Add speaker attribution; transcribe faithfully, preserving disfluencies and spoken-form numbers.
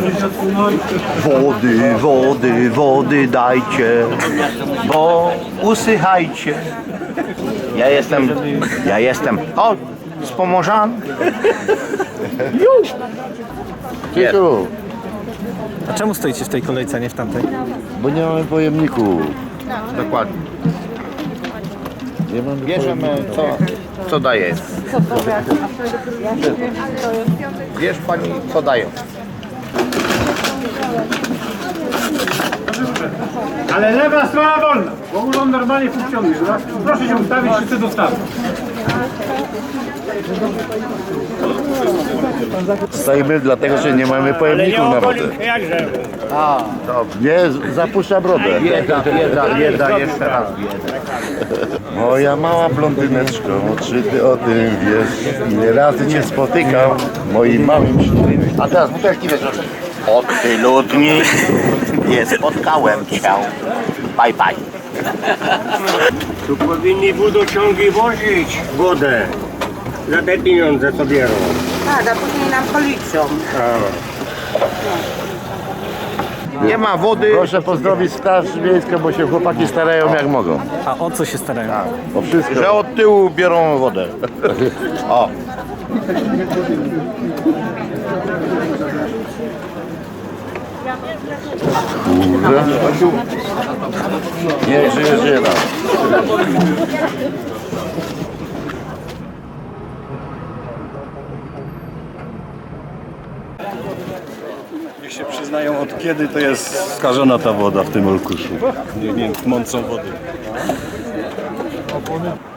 Speaker 1: Wody, wody, wody dajcie, bo usychajcie. Ja jestem, ja jestem, o, z Pomorzan.
Speaker 2: Ciku,
Speaker 3: A czemu stoicie w tej kolejce, a nie w tamtej?
Speaker 2: bo nie mamy pojemników.
Speaker 1: Dokładnie.
Speaker 2: Nie mamy
Speaker 1: Bierzemy, co, co daje. Wiesz pani, co dają.
Speaker 4: Ale lewa strona wolna, bo urząd normalnie funkcjonuje. Proszę się ustawić, wszyscy dostawić.
Speaker 2: Stoimy dlatego, że nie mamy pojemników na wodę.
Speaker 4: Jakże?
Speaker 2: Nie, z- zapuszcza brodę.
Speaker 1: Bieda, bieda, bieda, jeszcze raz bieda.
Speaker 2: Moja mała blondyneczko, czy ty o tym wiesz? Ile razy cię spotykam w moim małym ślubie.
Speaker 1: A teraz butelki wiesz, od tylu dni nie spotkałem cię. Bye, bye.
Speaker 4: Tu powinni wodociągi wozić wodę. Za te pieniądze co biorą.
Speaker 5: Tak, a później nam policzą.
Speaker 1: Nie ma wody.
Speaker 2: Proszę pozdrowić Straż Miejską, bo się chłopaki starają jak mogą.
Speaker 3: A o co się starają?
Speaker 2: O wszystko.
Speaker 1: Że od tyłu biorą wodę. O.
Speaker 2: Kurde. Nie, żyje, żyje nam.
Speaker 6: Niech się przyznają, od kiedy to jest skażona ta woda w tym Olkuszu. Nie wiem, mącą wody.